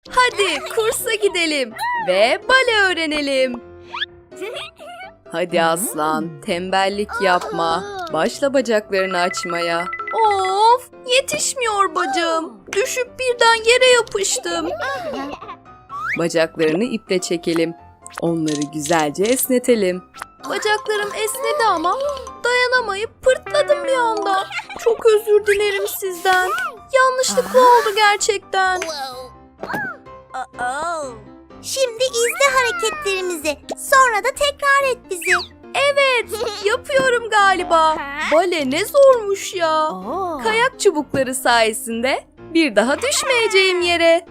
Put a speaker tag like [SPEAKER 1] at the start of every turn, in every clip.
[SPEAKER 1] Hadi kursa gidelim ve bale öğrenelim. Hadi aslan, tembellik yapma. Başla bacaklarını açmaya. Of, yetişmiyor bacağım. Düşüp birden yere yapıştım. Bacaklarını iple çekelim. Onları güzelce esnetelim. Bacaklarım esnedi ama dayanamayıp pırtladım bir anda. Çok özür dilerim sizden. Yanlışlıkla oldu gerçekten.
[SPEAKER 2] Şimdi izle hareketlerimizi. Sonra da tekrar et bizi.
[SPEAKER 1] Evet, yapıyorum galiba. Bale ne zormuş ya. Kayak çubukları sayesinde bir daha düşmeyeceğim yere.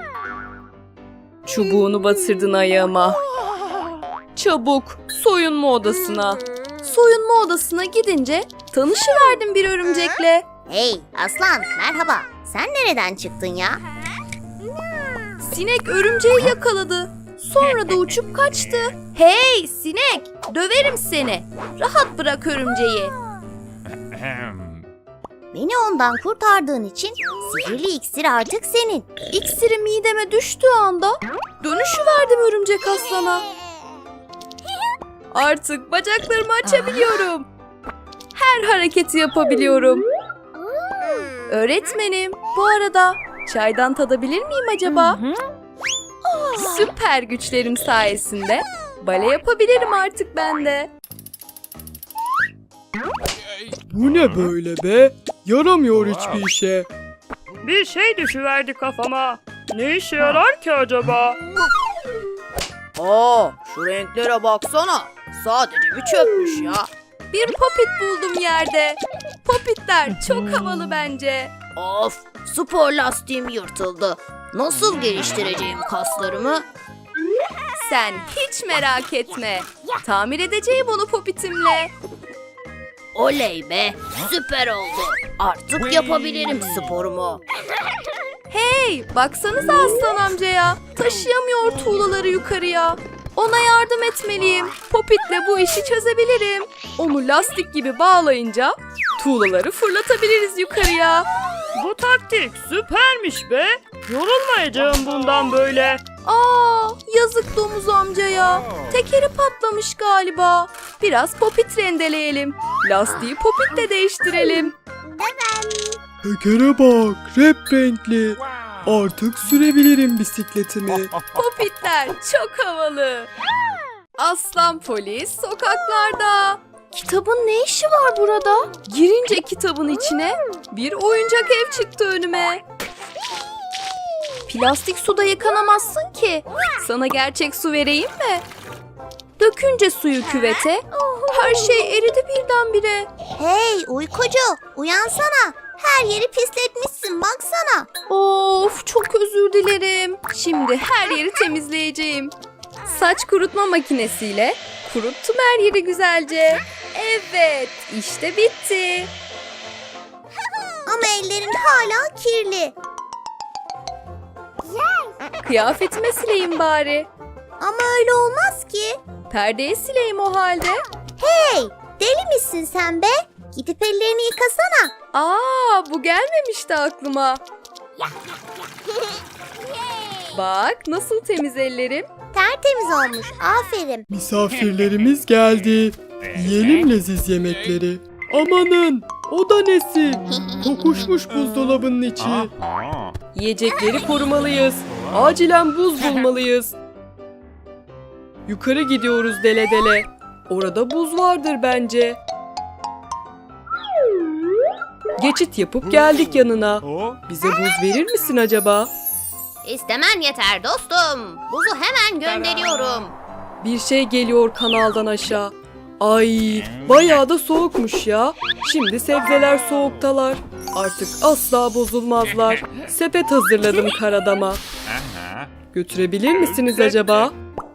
[SPEAKER 1] Çubuğunu batırdın ayağıma. Çabuk soyunma odasına. Soyunma odasına gidince tanışıverdim bir örümcekle.
[SPEAKER 2] Hey aslan, merhaba. Sen nereden çıktın ya?
[SPEAKER 1] Sinek örümceği yakaladı. Sonra da uçup kaçtı. Hey sinek, döverim seni. Rahat bırak örümceği.
[SPEAKER 2] Beni ondan kurtardığın için sihirli iksir artık senin.
[SPEAKER 1] İksiri mideme düştüğü anda dönüşüverdim örümcek aslana. Artık bacaklarımı açabiliyorum. Her hareketi yapabiliyorum. Öğretmenim, bu arada çaydan tadabilir miyim acaba? Süper güçlerim sayesinde bale yapabilirim artık ben de.
[SPEAKER 3] Bu ne böyle be? Yaramıyor hiçbir işe.
[SPEAKER 4] Bir şey düşüverdi kafama. Ne işe yarar ki acaba?
[SPEAKER 5] Aa, şu renklere baksana. Sadece bir çöpmüş ya.
[SPEAKER 1] Bir popit buldum yerde. Popitler çok havalı bence.
[SPEAKER 5] Of, spor lastiğim yırtıldı. Nasıl geliştireceğim kaslarımı?
[SPEAKER 1] Sen hiç merak etme. Tamir edeceğim onu popitimle.
[SPEAKER 5] Oley be, süper oldu. Artık yapabilirim sporumu.
[SPEAKER 1] Hey, baksanıza aslan amcaya. Taşıyamıyor tuğlaları yukarıya. Ona yardım etmeliyim. Popitle bu işi çözebilirim. Onu lastik gibi bağlayınca tuğlaları fırlatabiliriz yukarıya.
[SPEAKER 4] Bu taktik süpermiş be. Yorulmayacağım bundan böyle.
[SPEAKER 1] Aa, yazık domuz amcaya. Tekeri patlamış galiba. Biraz popit rendeleyelim. Lastiği popitle değiştirelim.
[SPEAKER 3] Tekere bak, rep renkli. Artık sürebilirim bisikletimi.
[SPEAKER 1] Popitler çok havalı. Aslan polis sokaklarda. Kitabın ne işi var burada? Girince kitabın içine bir oyuncak ev çıktı önüme. Plastik suda yıkanamazsın ki. Sana gerçek su vereyim mi? Dökünce suyu küvete, her şey eridi birdenbire.
[SPEAKER 2] Hey uykucu, uyansana. Her yeri pisletmişsin, baksana.
[SPEAKER 1] Of, çok özür dilerim. Şimdi her yeri temizleyeceğim. Saç kurutma makinesiyle kuruttum her yeri güzelce. Evet, işte bitti.
[SPEAKER 2] Ama ellerin hala kirli.
[SPEAKER 1] Kıyafetime sileyim bari.
[SPEAKER 2] Ama öyle olmaz ki.
[SPEAKER 1] Perdeyi sileyim o halde.
[SPEAKER 2] Hey, deli misin sen be? Gidip ellerini yıkasana.
[SPEAKER 1] Aa, bu gelmemişti aklıma. Bak nasıl temiz ellerim.
[SPEAKER 2] Tertemiz olmuş, aferin.
[SPEAKER 3] Misafirlerimiz geldi. Yiyelim leziz yemekleri. Amanın, o da nesi? Kokuşmuş buzdolabının içi.
[SPEAKER 1] Yiyecekleri korumalıyız. Acilen buz bulmalıyız.
[SPEAKER 3] Yukarı gidiyoruz dele dele. Orada buz vardır bence. Geçit yapıp geldik yanına. Bize buz verir misin acaba?
[SPEAKER 5] İstemen yeter dostum. Buzu hemen gönderiyorum.
[SPEAKER 3] Bir şey geliyor kanaldan aşağı. Ay, bayağı da soğukmuş ya. Şimdi sebzeler soğuktalar. Artık asla bozulmazlar. Sepet hazırladım karadama. Götürebilir misiniz acaba?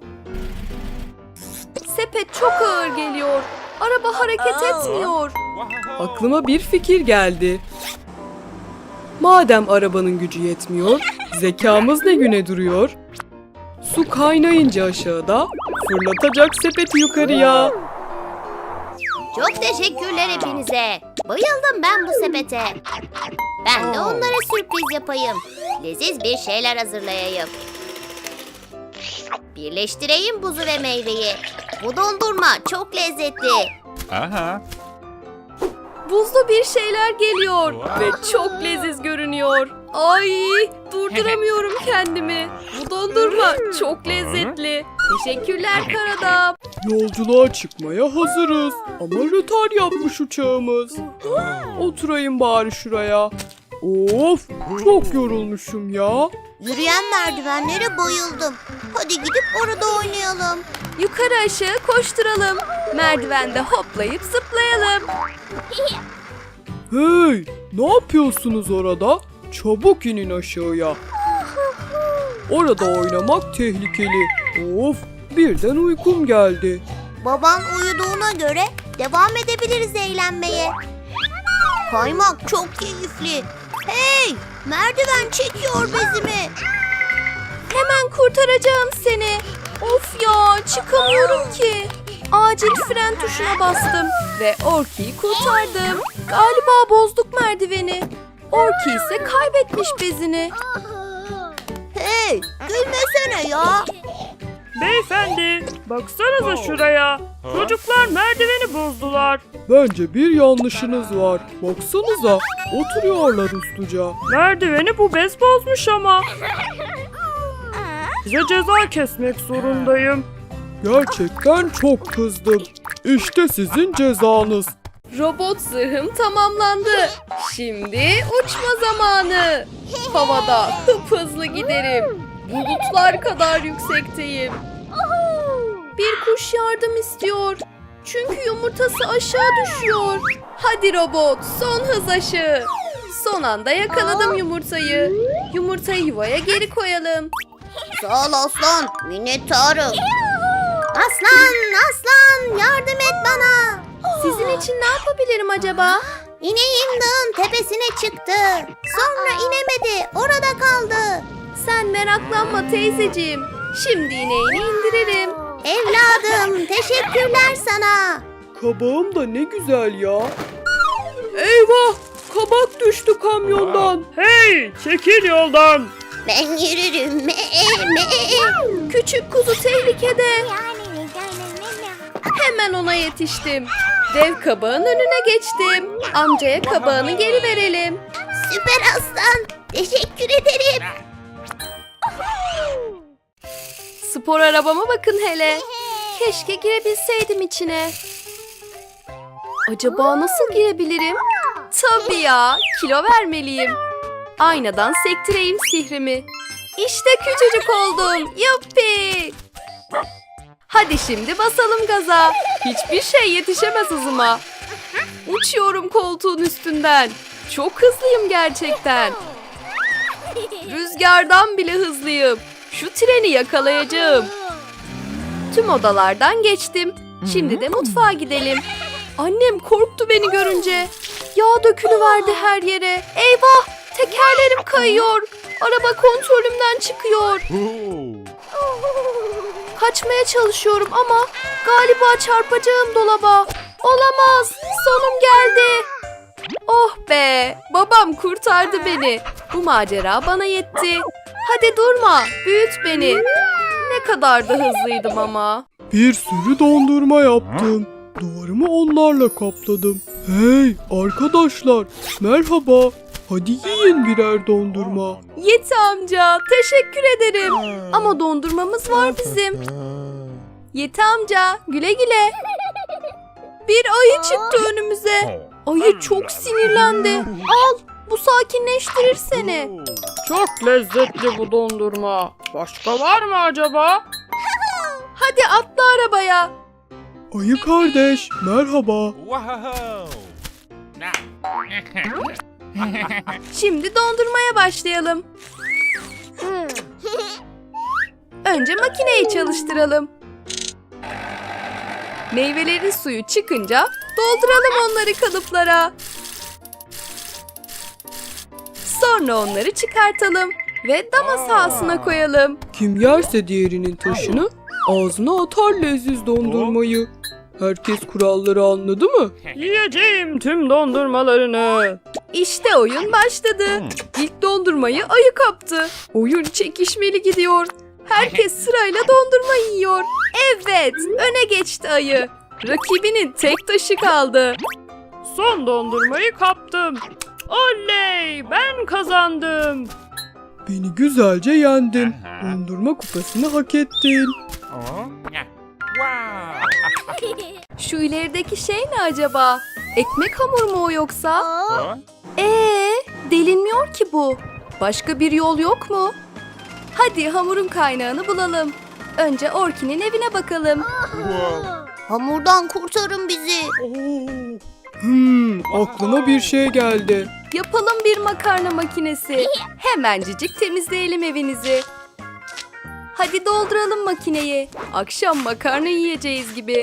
[SPEAKER 1] Sepet çok ağır geliyor. Araba hareket etmiyor.
[SPEAKER 3] Aklıma bir fikir geldi. Madem arabanın gücü yetmiyor, zekamız ne güne duruyor? Su kaynayınca aşağıda, fırlatacak sepeti yukarıya.
[SPEAKER 5] Çok teşekkürler hepinize.
[SPEAKER 2] Bayıldım ben bu sepete. Ben de onlara sürpriz yapayım. Leziz bir şeyler hazırlayayım. Birleştireyim buzu ve meyveyi. Bu dondurma çok lezzetli.
[SPEAKER 6] Aha.
[SPEAKER 1] Buzlu bir şeyler geliyor ve çok leziz görünüyor. Ay, durduramıyorum kendimi. Bu dondurma çok lezzetli. Teşekkürler Karadam.
[SPEAKER 3] Yolculuğa çıkmaya hazırız. Ama rötar yapmış uçağımız. Oturayım bari şuraya. Of, çok yorulmuşum ya.
[SPEAKER 2] Yürüyen merdivenlere bayıldım. Hadi gidip orada oynayalım.
[SPEAKER 1] Yukarı aşağı koşturalım. Merdivende hoplayıp zıplayalım.
[SPEAKER 3] Hey, ne yapıyorsunuz orada? Çabuk inin aşağıya. Orada oynamak tehlikeli. Of, birden uykum geldi.
[SPEAKER 2] Baban uyuduğuna göre devam edebiliriz eğlenmeye. Kaymak çok keyifli. Hey, merdiven çekiyor bezimi.
[SPEAKER 1] Hemen kurtaracağım seni. Of ya, çıkamıyorum ki. Acil fren tuşuna bastım ve Orki'yi kurtardım. Galiba bozduk merdiveni. Orki ise kaybetmiş bezini.
[SPEAKER 2] Hey, gülmesene ya.
[SPEAKER 4] Beyefendi, baksanıza şuraya. Çocuklar merdiveni bozdular.
[SPEAKER 3] Bence bir yanlışınız var. Baksanıza, oturuyorlar usluca.
[SPEAKER 4] Merdiveni bu bez bozmuş ama. Size ceza kesmek zorundayım.
[SPEAKER 3] Gerçekten çok kızdım. İşte sizin cezanız.
[SPEAKER 1] Robot zırhım tamamlandı. Şimdi uçma zamanı. Havada hızlı giderim. Bulutlar kadar yüksekteyim. Bir kuş yardım istiyor. Çünkü yumurtası aşağı düşüyor. Hadi robot, son hız aşı. Son anda yakaladım yumurtayı. Yumurtayı yuvaya geri koyalım.
[SPEAKER 2] Sağ ol aslan, minnettarım. Aslan, yardım et bana.
[SPEAKER 1] Sizin için ne yapabilirim acaba?
[SPEAKER 2] İneğim dağın tepesine çıktı. Sonra inemedi, orada kaldı.
[SPEAKER 1] Sen meraklanma teyzeciğim. Şimdi ineğini indiririm.
[SPEAKER 2] Evladım, teşekkürler sana.
[SPEAKER 3] Kabağım da ne güzel ya. Eyvah! Kabak düştü kamyondan.
[SPEAKER 4] Hey, çekil yoldan.
[SPEAKER 2] Ben yürürüm.
[SPEAKER 1] Küçük kuzu tehlikede. Hemen ona yetiştim. Dev kabağın önüne geçtim. Amcaya kabağını geri verelim.
[SPEAKER 2] Süper aslan, teşekkür ederim.
[SPEAKER 1] Spor arabama bakın hele. Keşke girebilseydim içine. Acaba nasıl girebilirim? Tabii ya, kilo vermeliyim. Aynadan sektireyim sihrimi. İşte küçücük oldum. Yuppi! Hadi şimdi basalım gaza. Hiçbir şey yetişemez hızıma. Uçuyorum koltuğun üstünden. Çok hızlıyım gerçekten. Rüzgardan bile hızlıyım. Şu treni yakalayacağım. Tüm odalardan geçtim. Şimdi de mutfağa gidelim. Annem korktu beni görünce. Yağ dökülüverdi her yere. Eyvah! Tekerlerim kayıyor. Araba kontrolümden çıkıyor. Kaçmaya çalışıyorum ama galiba çarpacağım dolaba. Olamaz. Sonum geldi. Oh be. Babam kurtardı beni. Bu macera bana yetti. Hadi durma. Büyüt beni. Ne kadar da hızlıydım ama.
[SPEAKER 3] Bir sürü dondurma yaptım. Duvarımı onlarla kapladım. Hey arkadaşlar, merhaba. Hadi yiyin birer dondurma.
[SPEAKER 1] Yeti amca, teşekkür ederim. Ama dondurmamız var bizim. Yeti amca, güle güle. Bir ayı çıktı önümüze. Ayı çok sinirlendi. Al, bu sakinleştirir seni.
[SPEAKER 4] Çok lezzetli bu dondurma. Başka var mı acaba?
[SPEAKER 1] Hadi atla arabaya.
[SPEAKER 3] Ayı kardeş, merhaba.
[SPEAKER 1] Şimdi dondurmaya başlayalım. Önce makineyi çalıştıralım. Meyvelerin suyu çıkınca dolduralım onları kalıplara. Sonra onları çıkartalım ve dama sahasına koyalım.
[SPEAKER 3] Kim yerse diğerinin taşını ağzına atar leziz dondurmayı. Herkes kuralları anladı mı?
[SPEAKER 4] Yiyeceğim tüm dondurmalarını.
[SPEAKER 1] İşte oyun başladı. İlk dondurmayı ayı kaptı. Oyun çekişmeli gidiyor. Herkes sırayla dondurma yiyor. Evet, öne geçti ayı. Rakibinin tek taşı kaldı.
[SPEAKER 4] Son dondurmayı kaptım. Oley, ben kazandım.
[SPEAKER 3] Beni güzelce yendin. Dondurma kupasını hak ettin.
[SPEAKER 1] Şu ilerideki şey ne acaba? Ekmek hamuru mu o yoksa?
[SPEAKER 2] Aa,
[SPEAKER 1] Delinmiyor ki bu. Başka bir yol yok mu? Hadi hamurun kaynağını bulalım. Önce Orki'nin evine bakalım.
[SPEAKER 2] hamurdan kurtarın bizi.
[SPEAKER 3] Aklıma bir şey geldi.
[SPEAKER 1] Yapalım bir makarna makinesi. Hemencecik temizleyelim evinizi. Hadi dolduralım makineyi. Akşam makarna yiyeceğiz gibi.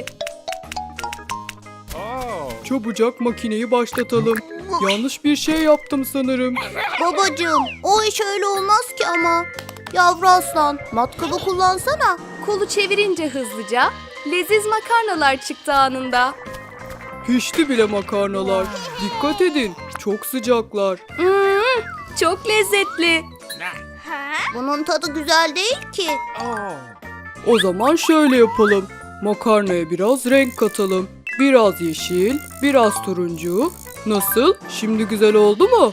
[SPEAKER 3] Çabucak makineyi başlatalım. Yanlış bir şey yaptım sanırım.
[SPEAKER 2] Babacığım, o iş öyle olmaz ki ama. Yavru aslan, matkabı kullansana.
[SPEAKER 1] Kolu çevirince hızlıca leziz makarnalar çıktı anında.
[SPEAKER 3] Pişti bile makarnalar. Dikkat edin. Çok sıcaklar.
[SPEAKER 1] Çok lezzetli.
[SPEAKER 2] Bunun tadı güzel değil ki.
[SPEAKER 3] O zaman şöyle yapalım. Makarnaya biraz renk katalım. Biraz yeşil, biraz turuncu. Nasıl? Şimdi güzel oldu mu?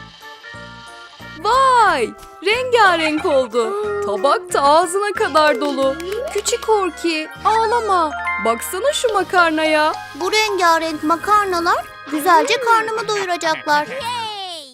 [SPEAKER 1] Vay! Rengarenk oldu. Tabak da ağzına kadar dolu. Küçük Orki, ağlama. Baksana şu makarnaya.
[SPEAKER 2] Bu rengarenk makarnalar güzelce karnımı doyuracaklar.